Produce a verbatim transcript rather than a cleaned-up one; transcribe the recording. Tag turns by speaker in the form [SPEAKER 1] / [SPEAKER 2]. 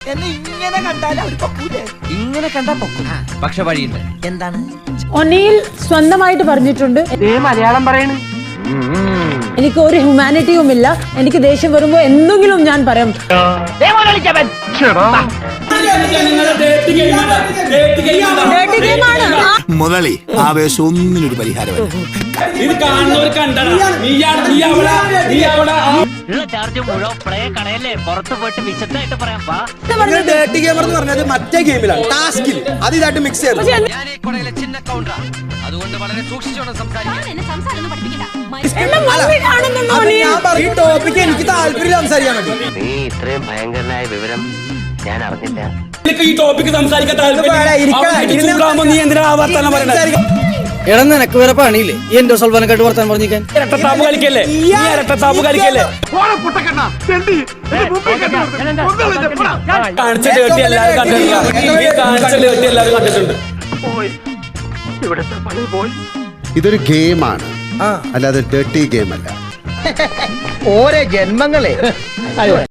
[SPEAKER 1] എന്നെ ഇങ്ങനെ കണ്ടാൽ അവർ പൊക്കൂലേ?
[SPEAKER 2] ഇങ്ങനെ കണ്ടാ പൊക്കും, പക്ഷെ വഴിയുണ്ട്.
[SPEAKER 1] എന്താണ്?
[SPEAKER 3] ഒനിയിൽ സ്വന്തമായിട്ട് പറഞ്ഞിട്ടുണ്ട്,
[SPEAKER 1] മലയാളം പറയണ
[SPEAKER 3] എനിക്ക് ഒരു ഹ്യൂമാനിറ്റിയും ഇല്ല, എനിക്ക് ദേഷ്യം വരുമ്പോ എന്തെങ്കിലും ഞാൻ പറയാം.
[SPEAKER 4] മുതലി ആവേശം ഒന്നിനൊരു പരിഹാരമല്ല.
[SPEAKER 5] മറ്റേ ഗെയിമിലാണ്, ടാസ്കിൽ അത് ഇതായിട്ട് മിക്സ് ചെയ്തു.
[SPEAKER 2] അതുകൊണ്ട് വളരെ സൂക്ഷിച്ചോണം സംസാരിക്കാൻ.
[SPEAKER 5] ഈ ടോപ്പിക്ക് എനിക്ക് താല്പര്യം സംസാരിക്കാൻ വേണ്ടി.
[SPEAKER 6] നീ ഇത്രയും ഭയങ്കരനായ വിവരം ഞാൻ അറിഞ്ഞില്ല.
[SPEAKER 5] ഈ ടോപ്പിക്ക് സംസാരിക്കാൻ
[SPEAKER 7] നീ എന്തിനാ വർത്താനം പറയണത്? എടാ നിനക്ക് വേറെ പണിയില്ലേ ഈ എന്റെ സൽവാനക്കായിട്ട് വർത്താനം പറഞ്ഞിരിക്കാൻ?
[SPEAKER 5] ഇരട്ടത്താപ്പ് കളിക്കല്ലേ, നീ ഇരട്ടത്താപ്പ് കളിക്കല്ലേ? കാണിച്ച ഡേട്ടി എല്ലാവരും കണ്ടിട്ടുണ്ട്, കാണിച്ച ഡേട്ടി എല്ലാവരും കണ്ടിട്ടുണ്ട്.
[SPEAKER 4] ഇതൊരു ഗെയിമാണ്, അല്ലാതെ ഡേർട്ടി ഗെയിം അല്ല.
[SPEAKER 1] ഓരോ ജന്മങ്ങളെ